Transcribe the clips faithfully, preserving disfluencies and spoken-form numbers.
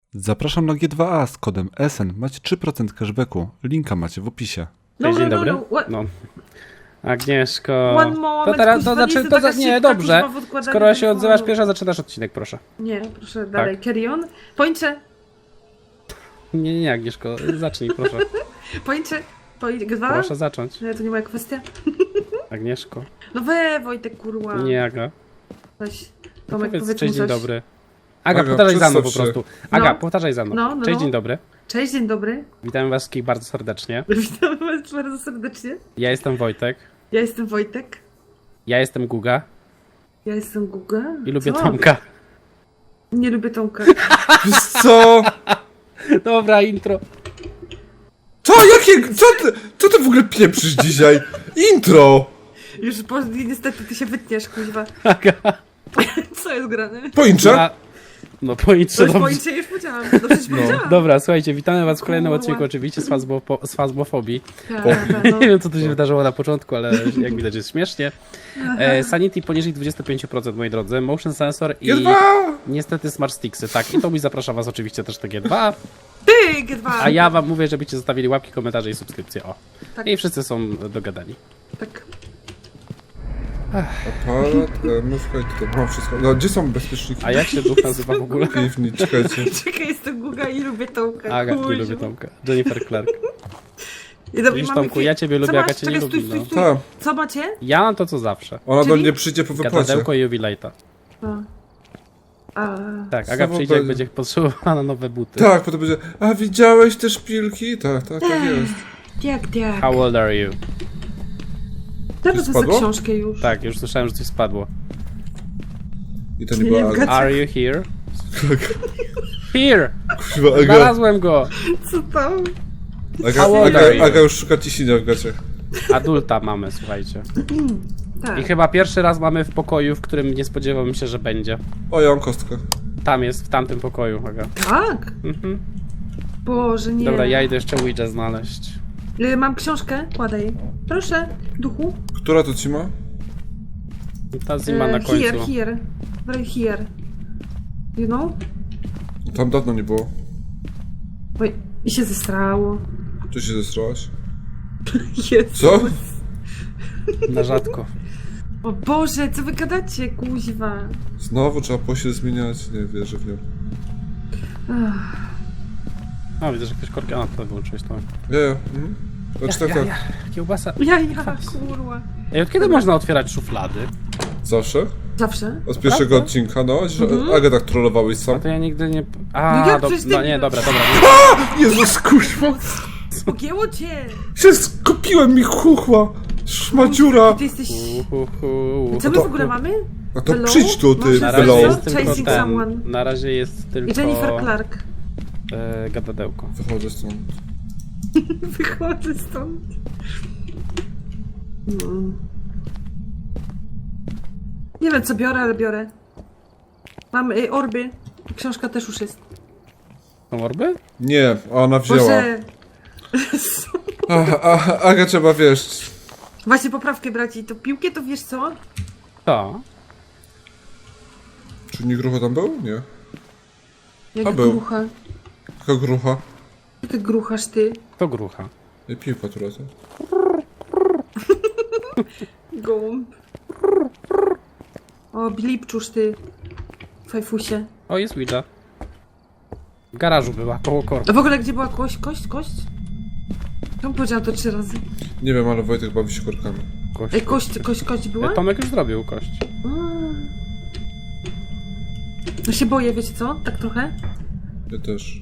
Zapraszam na G dwa A z kodem S N. Macie trzy procent cashbacku. Linka macie w opisie. No, Dzień no, dobry. no, no. No. Agnieszko. One moment, to teraz, to kuźwa, nie znaczy, jestem to taka za, nie, szybka, dobrze. kuźwa, w odkładaniu Skoro się telefonu. odzywasz pierwsza, zaczynasz odcinek, proszę. Nie, proszę dalej, Tak. carry on. Pończe, Nie, nie, nie, Agnieszko, zacznij, proszę. pończe, pończe, dwa? Proszę zacząć. Nie, to nie moja kwestia. Agnieszko. No we, Wojtek, kurwa. Nie, Aga. Weź, No Tomek, powiedz, powiedz cześć, mu dzień coś. dobry. Aga, Aga, powtarzaj za mną po przedstaw się. prostu. Aga, No. powtarzaj za mną. No, no, Cześć, no. dzień dobry. Cześć, dzień dobry. Witamy was wszystkich bardzo serdecznie. Witam was bardzo serdecznie. Ja jestem Wojtek. Ja jestem Wojtek. Ja jestem Guga. Ja jestem Guga. I lubię Co? Tomka. Nie lubię Tomka. Wiesz co? Dobra, intro. Co? Jakie? Co ty? Co ty w ogóle pieprzysz dzisiaj? Intro! Już po, niestety ty się wytniesz, kuźwa. Aga. Co jest grane? Pończe? Ja... No To pointrze już dobrze. pończe już powiedziałam. Dobrze ci powiedziałam. Dobra, słuchajcie, witamy was w kolejnym Kurwa. odcinku oczywiście z, fazbo, z fazmofobii. Tak, tak, no. Nie wiem, co tu się wydarzyło na początku, ale jak widać jest śmiesznie. E, Sanity poniżej dwadzieścia pięć procent, moi drodzy. Motion sensor i G dwa! niestety smart sticksy. Tak, i to mi zaprasza was oczywiście też do G dwa. Ty, G dwa. A ja wam mówię, żebyście zostawili łapki, komentarze i subskrypcje. O. Tak. I wszyscy są dogadani. Tak. Aparat, e, mówka i to mam wszystko. No, gdzie są bezpieczniki? A jak się duch nazywa w ogóle? Piwni, czekajcie. Czekaj, jestem Guga i lubię Tomka. Aga, nie kuźwa. lubię Tomka. Jennifer Clark. I dobra, Widzisz, mamy Tomku, fi- ja ciebie Co lubię, masz? Aga cię nie Czekaj, lubi, stój, stój, no. stój. Tak. Co macie? Ja mam to, co zawsze. Ona do Czyli? mnie przyjdzie po wypłacie. Gadadełko i jubilejta. A. A. Tak, Aga Znowu przyjdzie, jak będzie- będzie potrzebowała na nowe buty. Tak, potem będzie. A widziałeś te szpilki? Tak, tak, tak jest. Jak, jak. How old are you? Teraz za spadło? książkę już. Tak, już słyszałem, że coś spadło. I to nie Nie, była nie Aga. wgadzam. Are you here? Here! Kurwa, Aga. Znalazłem go! Co tam? Aga, How old Aga, are you? Aga już szuka ciśnienia w gaciach. Adulta mamy, słuchajcie. Tak. I chyba pierwszy raz mamy w pokoju, w którym nie spodziewałem się, że będzie. O, ja mam kostkę. Tam jest, w tamtym pokoju, Aga. Tak? Mhm. Boże, nie. Dobra, ja idę jeszcze Ouija znaleźć. Y, Mam książkę, kładaj. Proszę, duchu. Która to ci ma? Ta zima na E, końcu. Here, here. Right here. You know? Tam dawno nie było. Oj, i się zestrało. Tu się zestrałaś? Jezu. Co? Na rzadko. O Boże, co wy gadacie, kuźwa? Znowu trzeba pościel zmieniać? Nie wierzę w nią. Ach, A, widzę, że jakieś korki. A, to wyłączyłeś to. Ja, ja. Mhm. Znaczy tak, tak. Kiełbasa. ja, ja, kurwa. Ej, od kiedy można otwierać szuflady? Zawsze? Zawsze? Od pierwszego Prawda? odcinka, no. Że Mhm. Agę tak trollowałeś A sam. to ja nigdy nie... A, No jak do... przecież ty- no nie, dobra, dobra. Jezus, kurwa! Pogięło cię! Się skupiłem mi chuchła! Szmadziura! Ty jesteś... Uhuhu. Co my to- w ogóle mamy? A to Hello? przyjdź tu, ty, Może Na Hello? razie Belą. jest tylko Chasing ten. someone. Na razie jest tylko... I Jennifer Clark. E, gadadełko. Wychodzę stąd. Wychodzę stąd. No. Nie wiem co biorę, ale biorę. Mam y, orby. Książka też już jest. Są orby? Nie, ona wzięła. Boże. A, a, Aga trzeba, wiesz... Właśnie poprawkę braci. To piłkę to wiesz co? To. Czy nie grucha tam był? Nie. Jaka A był. grucha. Jaka grucha? Jaka gruchasz ty? To grucha. I piłka tu razem. Gołąb. O, blipczusz ty. Fajfusie. O, jest Ouija. W garażu była, koło korku. A w ogóle gdzie była kość? Kość? Kość? Czemu powiedziałam to trzy razy? Nie wiem, ale Wojtek bawi się korkami. Kość. Ej, kość, kość, kość była? E, Tomek już zrobił kość. A. No się boję, wiecie co? Tak trochę? Ja też.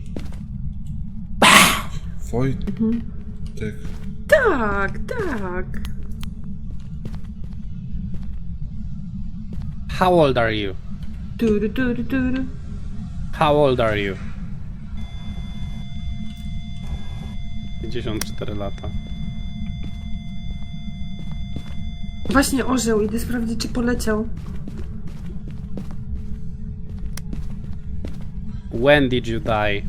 Wojtek. Tak, tak. How old are you? Turu, turu, turu. How old are you? pięćdziesiąt cztery lata. Właśnie orzeł, idę sprawdzić czy poleciał. When did you die?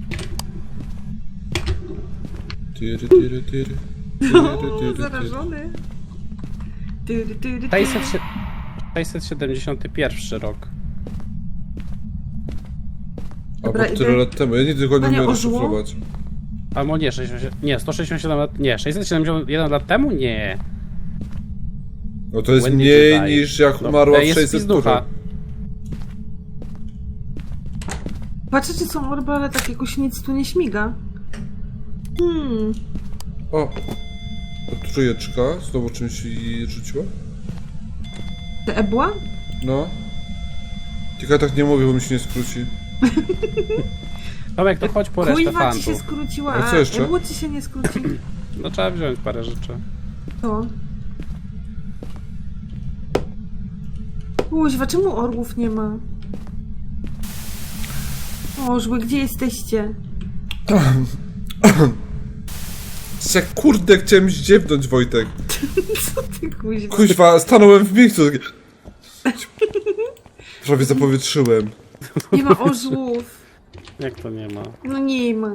Tyry, tyry, tyry. O, Tyry, tyry, tyry. zarażony. Turu, turu, turu. sześćset sie- sześćset siedemdziesiąty pierwszy rok. A Dobra, bo idę. tyle lat temu. Ja nigdy go nie Panie, umiem ożyło? rozszyfrować. Albo nie, sześćdziesiąt, nie, sto sześćdziesiąt siedem lat, nie, sześćset siedemdziesiąt jeden lat temu? Nie. No to jest When did mniej you die? niż jak No, umarła to w jest sześćset spis ducha. Patrzę, czy są orby, ale tak jakoś nic tu nie śmiga. Hmm. O! Trójeczka. Znowu czymś jej rzuciła? Te ebła? No. Tylko ja tak nie mówię, bo mi się nie skróci. Tomek, to chodź po resztę Kujwa ci się fantów. skróciła, A a co jeszcze? ebło ci się nie skróci. No trzeba wziąć parę rzeczy. To. Kuźwa, czemu orłów nie ma? Ożły, gdzie jesteście? Jak kurde chciałem zdziewnąć, Wojtek. Co ty kuźwa? Kuźwa, stanąłem w miejscu. takie- Prawie zapowietrzyłem. Nie ma orzłów. Jak to nie ma? No nie ma.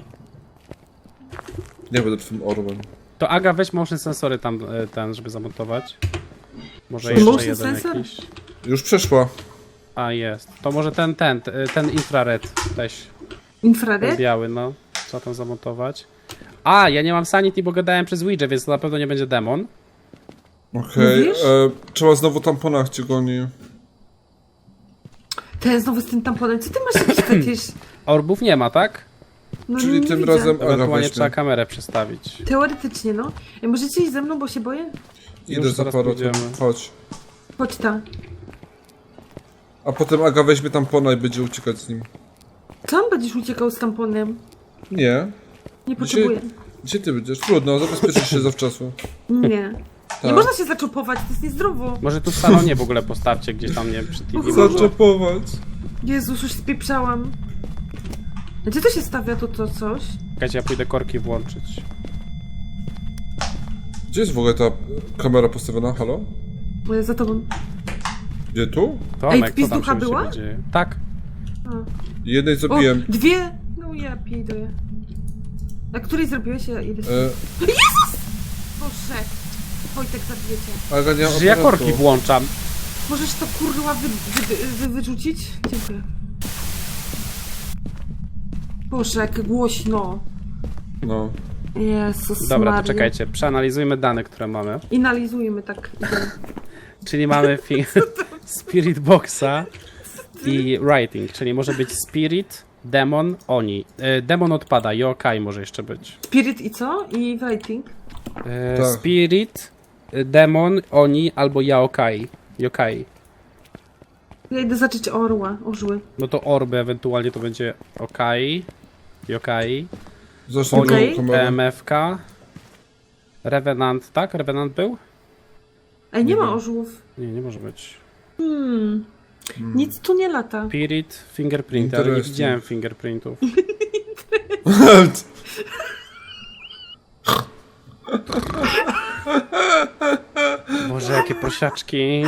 Nie będę twym orłem. To Aga, weź motion sensory tam, e, ten, żeby zamontować. Może Co? jeszcze Motion jeden sensor? jakiś. Już przeszła. A, jest. To może ten, ten, t- ten infrared też. Ten Infrared? biały, no. Trzeba tam zamontować. A, ja nie mam sanity, bo gadałem przez Ouija, więc to na pewno nie będzie demon. Okej. Mówisz? E, trzeba znowu tamponach cię goni. Ten znowu z tym tamponem. Co ty masz jakiś fetysz? Orbów nie ma, tak? No, Czyli nie, nie tym widzę. razem Aga Ewentualnie weźmie. trzeba kamerę przestawić. Teoretycznie, no. Ej, możecie iść ze mną, bo się boję? Idę Już za zaraz aparatem. pójdziemy. Chodź. Chodź ta. A potem Aga weźmie tampona i będzie uciekać z nim. Sam będziesz uciekał z tamponem. Nie. Nie potrzebuję. Gdzie ty będziesz? Trudno, zabezpieczysz się zawczasu. Nie. Nie Tak. można się zaczopować, to jest niezdrowo. Może tu w salonie w ogóle postawcie gdzieś tam, nie przy T V. może. Zaczepować. Jezus, już spieprzałam. A gdzie to się stawia to, to coś? Czekajcie, ja pójdę korki włączyć. Gdzie jest w ogóle ta kamera postawiona? Halo? E, Za tobą. Gdzie tu? Tomek, wpis co tam ducha się u była? siebie dzieje? Tak. A. Jednej O, zabiłem. dwie! No ja piję. A której zrobiłeś? Ja idę. E, Boże! Wojtek, zabijecie. Aga nie ma Że ja aparatu. korki włączam. Możesz to kurwa wy, wy, wy, wyrzucić? Dziękuję. Boże, jak głośno. No. Jezus Dobra, Maria. to czekajcie, przeanalizujmy dane, które mamy. Inalizujmy tak. Idę. Czyli mamy fi- Spirit Boxa i Writing, czyli może być Spirit, Demon, Oni. E, demon odpada, Yokai może jeszcze być. Spirit i co? I writing? E, Tak. Spirit, e, Demon, Oni albo Yaokai. Yokai. Ja idę zacząć orła, orzły. No to orby ewentualnie to będzie Okai, Yokai, Zresztą Okej. okay. kamerę. M F K, Revenant, tak? Revenant był? Ej, nie Nie ma wiem. orzłów. Nie, nie może być. Hmm. Nic tu nie lata. Spirit, Fingerprint, ale nie Interesting. widziałem fingerprintów. Boże, jakie prosiaczki.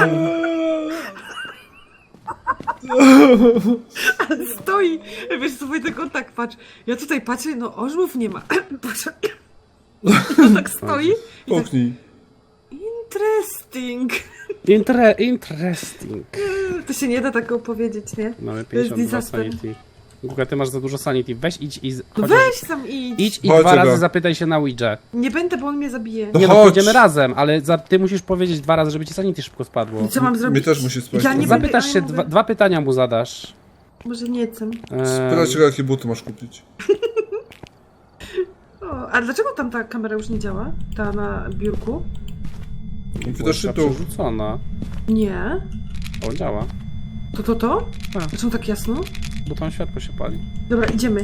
Stoi! Wiesz co, Wojtek, on tak patrz. Ja tutaj patrzę, no orzłów nie ma. Patrz. On tak stoi i tak, Puknij. interesting. Intre interesting. To się nie da tak opowiedzieć, nie? Mamy To jest pięćdziesiąt dwa disaster. sanity. Guga, ty masz za dużo sanity. Weź, idź i... z- No chociaż- weź sam idź. Idź i Chodź, dwa razy Aga. zapytaj się na Ouija. Nie będę, bo on mnie zabije. No Nie no, chodź. pójdziemy razem, ale za, ty musisz powiedzieć dwa razy, żeby ci sanity szybko spadło. I co mam zrobić? Mnie też musi spać. Ja nie trochę. będę- Zapytasz a ja się, mówię- dwa, dwa pytania mu zadasz. Może nie chcę. Eee, Spytaj się, jakie buty masz kupić. O, a dlaczego tam ta kamera już nie działa? Ta na biurku? Widocznie była tu. przerzucona. Nie. O, działa. To, to, to? A. Dlaczego tak jasno? Bo tam światło się pali. Dobra, idziemy.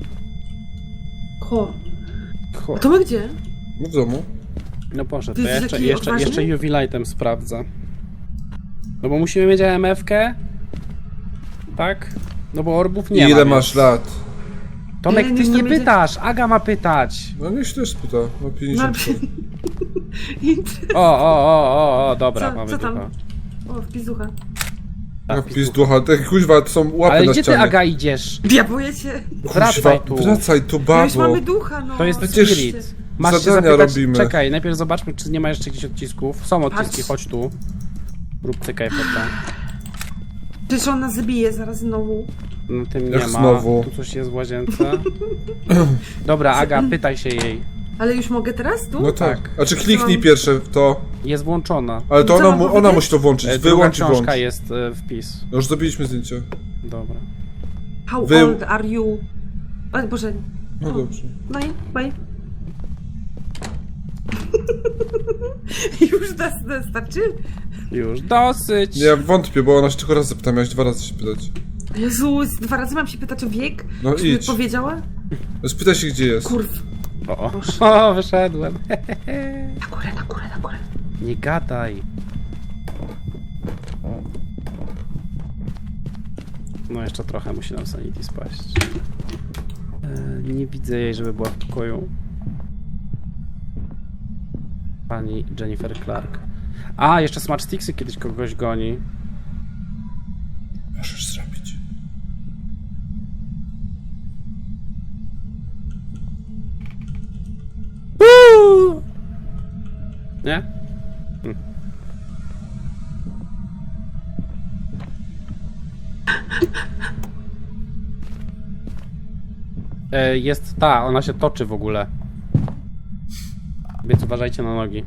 Ho. Cho. A to my gdzie? No w domu. No proszę, to Ty ja jesteś jeszcze, taki jeszcze, odważny? jeszcze U V lightem sprawdzę. No bo musimy mieć A M F-kę. Tak? No bo orbów nie I ma. ile więc- masz lat? Tomek, Nie, ty niech nie tam idzie. pytasz, Aga ma pytać. No niech się też spyta. Ma No, pięćdziesiąt. Inter- O, o, o, o, o, dobra, Co- mamy co tam? ducha. O, wpizucha. Ja pis ducha. Te kuźwa, to są łapy Ale na gdzie ty, ścianie. Aga, idziesz? Ja boję się. Wracaj tu. Wracaj tu, No już babo. mamy ducha, no. To jest Przecież Spirit. Masz się zadania zapytać, robimy. czekaj, najpierw zobaczmy, czy nie ma jeszcze jakichś odcisków. Są odciski, Patrz. chodź tu. Rób cykaj foto. Przecież on nas zabije zaraz znowu. No tym nie Jak ma. znowu? Tu coś jest w łazience. Dobra, Aga, pytaj się jej. Ale już mogę teraz tu? No tak. Tak. A czy kliknij Mam- pierwsze w to, Jest włączona. ale to Co ona, mam mu, ona powiedzieć? musi to włączyć. E, Druga Wyłącz i włącz. książka jest e, wpis. No już zrobiliśmy zdjęcie. Dobra. How Wy- old are you? O Boże. No dobrze. No i, bye. Już nas nas starczy? Już dosyć. Nie, ja wątpię, bo ona się tylko raz zapyta, miałeś dwa razy się pytać. Jezus, dwa razy mam się pytać o wiek? No Czy mi idź. powiedziała? Spytaj się, gdzie jest. Kurw. O, o. o, wyszedłem. Na górę, na górę, na górę. Nie gadaj. No jeszcze trochę musi nam sanity spaść. E, nie widzę jej, żeby była w pokoju. Pani Jennifer Clark. A, jeszcze Smart Sticksy kiedyś kogoś goni. Możesz zrobić. Nie? Hm. E, jest ta, ona się toczy w ogóle. Więc uważajcie na nogi.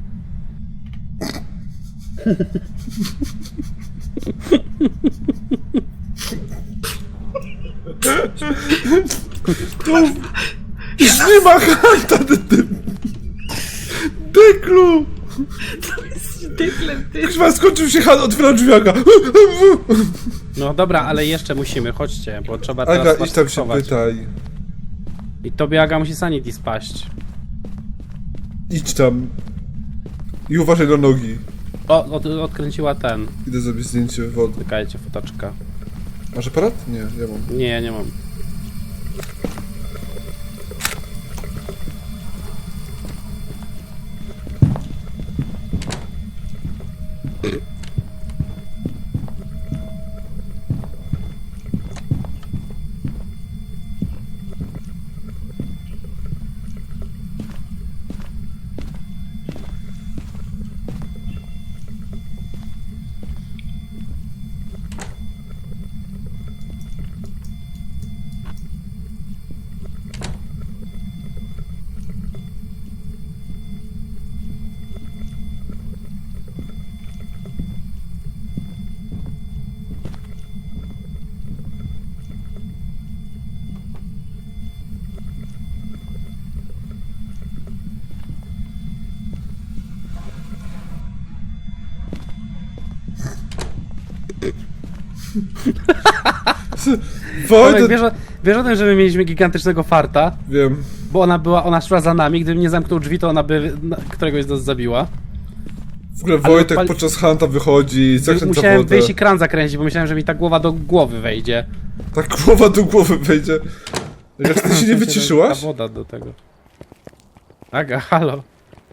Już nie ma hanta, Deklu! To jest dyklem, ty. Chyba skończył się han, otwieram drzwiaka. No dobra, ale jeszcze musimy, chodźcie, bo trzeba teraz Aga, idź tam się schować. pytaj. I tobie Aga musi sanity spaść. Idź tam. I uważaj na nogi. O, od, odkręciła ten. Idę zrobić zdjęcie wody. Czekajcie, fotaczka. Masz aparat? Nie, ja mam. Nie, ja nie mam. Tomek, Wojtek! wiesz, o- wiesz o tym, że my mieliśmy gigantycznego farta? Wiem. Bo ona była, ona szła za nami, gdybym nie zamknął drzwi, to ona by na- któregoś z nas zabiła. W ogóle Ale Wojtek odpali- podczas hanta wychodzi, zakręca Musiałem wodę. wyjść i kran zakręcić, bo myślałem, że mi ta głowa do głowy wejdzie. Tak głowa do głowy wejdzie. Jak ty się nie wyciszyłaś? Ta woda do tego. Aga, halo.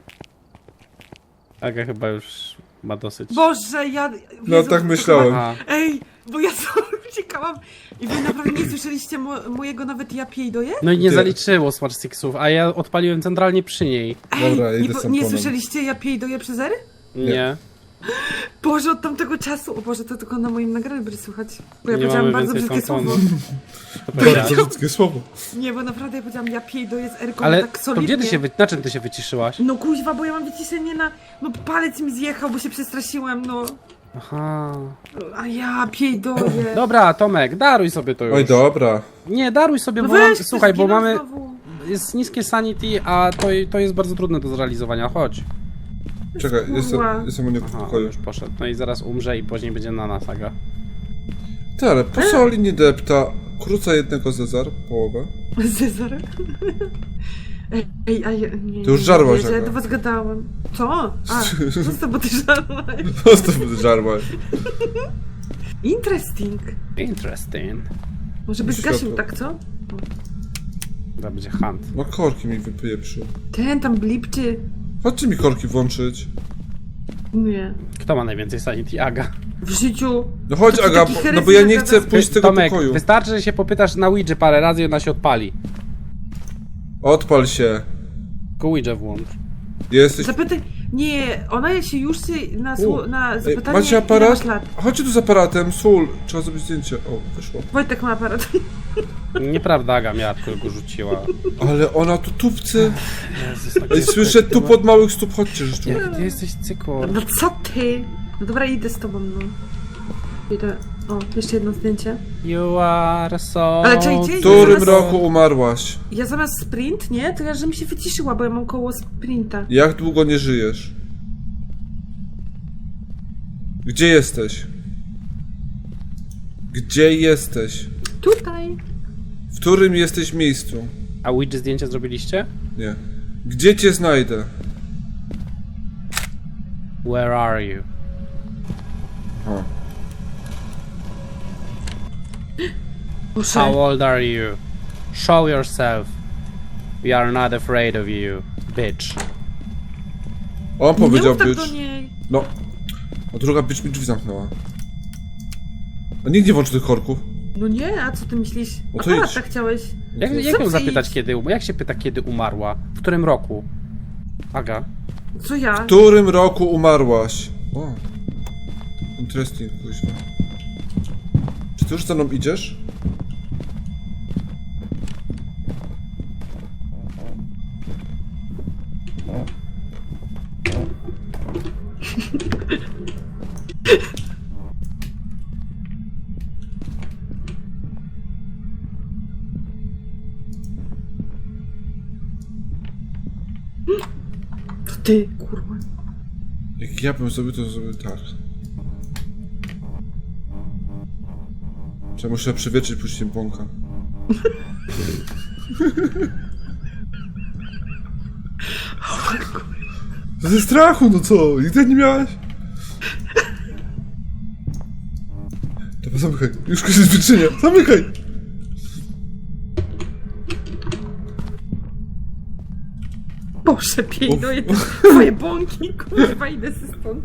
Aga chyba już ma dosyć. Boże, ja... No Jezu, tak to myślałem. chyba- Aha. Ej, bo ja sobie uciekałam i wy naprawdę nie słyszeliście mo mojego nawet ja piejdoję? No i nie Ty. zaliczyło Smart Sticksów, a ja odpaliłem centralnie przy niej. Ej, Dobra, nie, idę po- z nie tamponem. słyszeliście ja piejdoję przez ery? Nie. Nie. Boże, od tamtego czasu, o Boże, to tylko na moim nagraniu będzie słychać. Bo ja Nie powiedziałam mamy bardzo więcej brzydkie tamponu. słowo. Bardzo brzydkie słowo. Nie, bo naprawdę ja powiedziałam ja piejdoję z Erką Ale tak to solidnie. gdzie ty się, wy... na czym ty się wyciszyłaś? No kuźwa, bo ja mam wyciszenie na... No palec mi zjechał, bo się przestraszyłam, no. Aha. A ja piejdoję. Dobra, Tomek, daruj sobie to już. Oj, dobra. Nie, daruj sobie, No bo weź, mam, słuchaj, bo zginął mamy... znowu. Jest niskie sanity, a to, to jest bardzo trudne do zrealizowania. Chodź. Czekaj, jestem, Kurwa. jestem u niego w Aha, on pokoju. już poszedł. No i zaraz umrze i później będzie na nas, Aga. Ty, ale po co linii depta? Króca jednego Cezar, połowę. Cezar. Ej, ej, a ja, nie, Ty już żarłaś, nie, że ja Aga. do was gadałam. Co? A, co bo ty żarłaś? Po prostu żarła. Interesting. Interesting. Może byś Światło. zgasił, tak co? To będzie hunt. No korki mi wypieprzył. Ten tam blipczy. Chodźcie mi korki włączyć. Nie. Kto ma najwięcej sanity? Aga. W życiu. No chodź To ty Aga, taki bo, no herezji bo ja nie nagadasz? chcę pójść z tego Tomek, pokoju. wystarczy, że się popytasz na Ouija parę razy i ona się odpali. Odpal się. Tylko Ouija włącz. Jesteś... Zapytaj, Nie, ona się już się na, U, sło- na Ej, zapytanie, macie ile aparat? masz lat. Chodźcie tu z aparatem, sól. Trzeba zrobić zdjęcie. O, wyszło. Wojtek ma aparat. Nieprawda, Aga miała, tylko go rzuciła. Ale ona tu tupcy. Jezus, tak Ej, jest słyszę efektywna. tu pod małych stóp, chodźcie, że tu. Jaki ty jesteś cykor. No co ty? No dobra, idę z tobą, no. Idę. O, jeszcze jedno zdjęcie. You are so... Ale czekajcie, W którym Zaraz- roku umarłaś? Ja zamiast sprint, nie? To ja, że mi się wyciszyła, bo ja mam koło sprinta. Jak długo nie żyjesz? Gdzie jesteś? Gdzie jesteś? Tutaj. W którym jesteś miejscu? A Ouija zdjęcie zrobiliście? Nie. Gdzie cię znajdę? Where are you? O. Muszę. How old are you? Show yourself. We are not afraid of you, bitch. On Nie powiedział mów tak być. do niej. No. A druga bitch mi drzwi zamknęła. A nikt nie włączy tych korków. No nie, a co ty myślisz? No to Aparat idź. tak chciałeś. Jak, No jak sam ją se zapytać, idź. kiedy um- Jak się pyta, kiedy umarła? W którym roku? Aga? Co ja? W którym roku umarłaś? O. Interesting, kuźwa. Czy ty już za mną idziesz? To ty, kurwa. Jak ja bym zrobił, to zrobił tak. Czy ja muszę przewietrzyć później błąka? Ze strachu, no co? Nigdy nie miałeś? Dobra, zamykaj. Już ktoś się wyczynia. Zamykaj! Boże, Uf. piękno, twoje bąki, kurwa, idę ze stąd.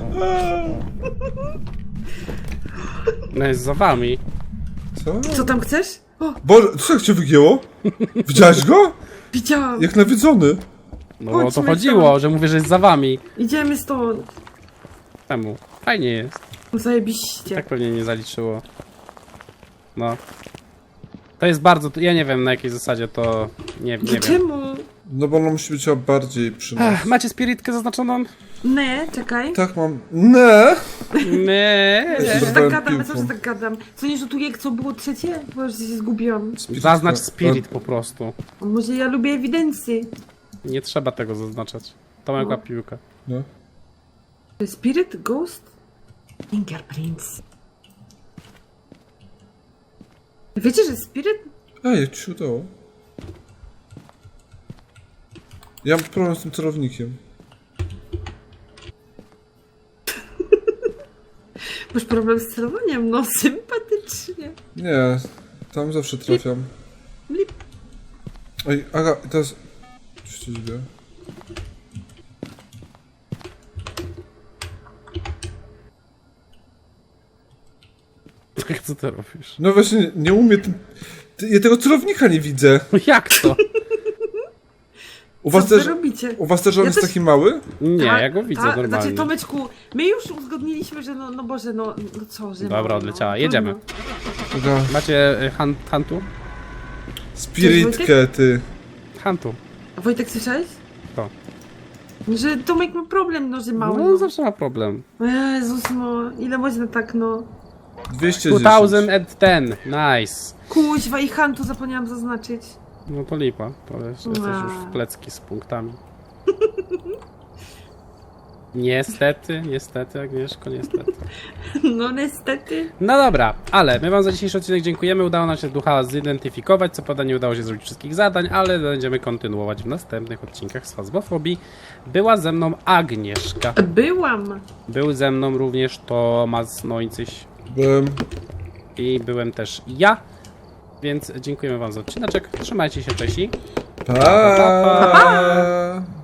No jest za wami. Co? Co tam chcesz? O, Boże, co jak cię wygięło? Widziałeś go? widziałam. Jak nawiedzony. No o to Chodźmy chodziło, stąd. że mówię, że jest za wami. Idziemy stąd. Czemu? Fajnie jest. Zajebiście. Tak pewnie nie zaliczyło. No. To jest bardzo... Ja nie wiem na jakiej zasadzie to... Nie, nie wiem. Czemu? No bo ona musi być bardziej przy nas. Ech, macie spiritkę zaznaczoną? Nie, czekaj. Tak mam. Nie! Nie. Co Zrywałem tak gadam, piłką. co że tak gadam? Co nie rzutuje, co było trzecie? Bo już się zgubiłam. Zaznacz spirit po prostu. A może ja lubię ewidencję? Nie trzeba tego zaznaczać. To mała piłka. No. Spirit, ghost, fingerprints. Wiecie, że spirit? Ej, jak ci się udało? Ja mam problem z tym celownikiem. Masz problem z celowaniem? No, sympatycznie. Nie, tam zawsze trafiam. Lip. Ej, Aga, teraz... Coś się dzieje. Co ty robisz? No właśnie, nie, nie umiem tym... Ty, ja tego celownika nie widzę. No jak to? U Co was wy też... robicie? U was też on Ja jest też- taki mały? Nie, Tak, ja go widzę tak, normalnie. Znaczy, Tomeczku, my już uzgodniliśmy, że no, no Boże, no, no co, że Dobra, no, odleciała. no, Jedziemy. trudno. Aga, Macie y, han, hantu? spiritkę, ty. Hantu. A Wojtek, słyszałeś? To. Że Tomek ma problem, no, że mały. No No, zawsze ma problem. Jezus, no, ile można tak, no. dwieście dwa dziesięć. tysiące dziesięć. Nice. Kuźwa i Hantu zapomniałam zaznaczyć. No to lipa. To jest, jesteś Wow. już w plecki z punktami. Niestety, niestety, Agnieszko, niestety. No niestety. No dobra, ale my wam za dzisiejszy odcinek dziękujemy. Udało nam się ducha zidentyfikować. Co prawda nie udało się zrobić wszystkich zadań, ale będziemy kontynuować w następnych odcinkach z Fazmofobii. Była ze mną Agnieszka. Byłam. Był ze mną również Tomasz Nońcyś Byłem... i byłem też ja. Więc dziękujemy wam za odcineczek. Trzymajcie się, cześć. Pa!